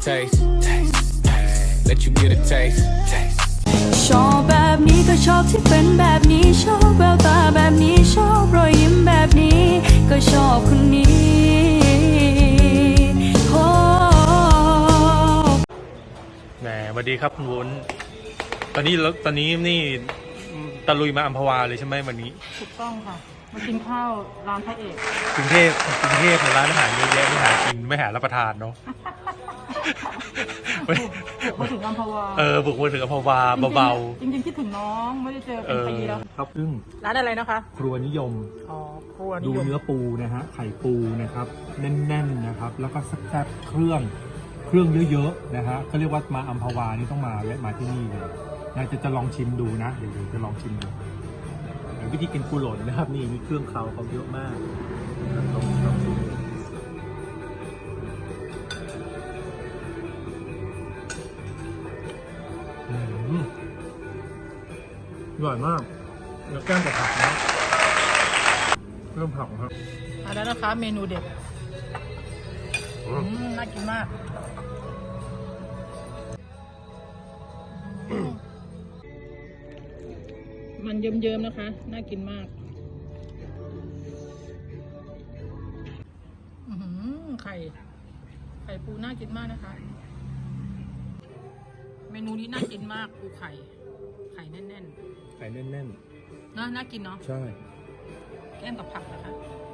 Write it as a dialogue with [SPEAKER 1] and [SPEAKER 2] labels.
[SPEAKER 1] taste. Let you get a taste.
[SPEAKER 2] ชอบแบบนี้ก็ชอบที่เป็นแบบนี้ชอบแววตาแบบนี้ชอบรอยยิ้มแบบนี้ก็ชอบคนนี้โอ้
[SPEAKER 3] แหมสวัสดีครับคุณวุ้นตอนนี้นี่ตะลุยมาอัมพวาเลยใช่ไหมวันนี้
[SPEAKER 4] ถูกต้องค่ะ มากินข้าวร้านพระเอก
[SPEAKER 3] กรุงเทพในร้านอาหารเยอะแยะไม่หากินไม่หารับประทานเนาะ
[SPEAKER 4] มาถึงอัมพวา
[SPEAKER 3] บุกมาถึงอัมพวาเบา
[SPEAKER 4] จริงๆคิดถึงน้องไม่ได้เจอเป็นปีแล้ว
[SPEAKER 3] ครับซึ่ง
[SPEAKER 4] ร้านอะไรนะคะ
[SPEAKER 3] ครัวนิยม
[SPEAKER 4] อ๋อครัวนิ
[SPEAKER 3] ดู
[SPEAKER 4] ยม
[SPEAKER 3] เนื้อปูนะฮะไข่ปูนะครับแน่นๆนะครับแล้วก็แซ่บๆเครื่องเยอะๆนะฮะเขาเรียกว่ามาอัมพวานี่ต้องมาแวะมาที่นี่เลยนะจะลองชิมดูนะเดี๋ยวจะลองชิมดูวิธีกินปูหล่นนะครับนี่มีเครื่องเคราเขาเยอะมากลองชิมอร่อยมากเนื้อแก้มกับผักนะเริ่มผักครับ
[SPEAKER 4] มาแล้วนะคะเมนูเด็ดน่ากินมากมันเยิ้มๆนะคะน่ากินมากไข่ปูน่ากินมากนะคะเมนูนี้น่ากินมากปูไข่แน่น
[SPEAKER 3] ไข่แน่น
[SPEAKER 4] ๆน่ากินเนาะ
[SPEAKER 3] ๆใช่
[SPEAKER 4] แก้มกับผักนะคะ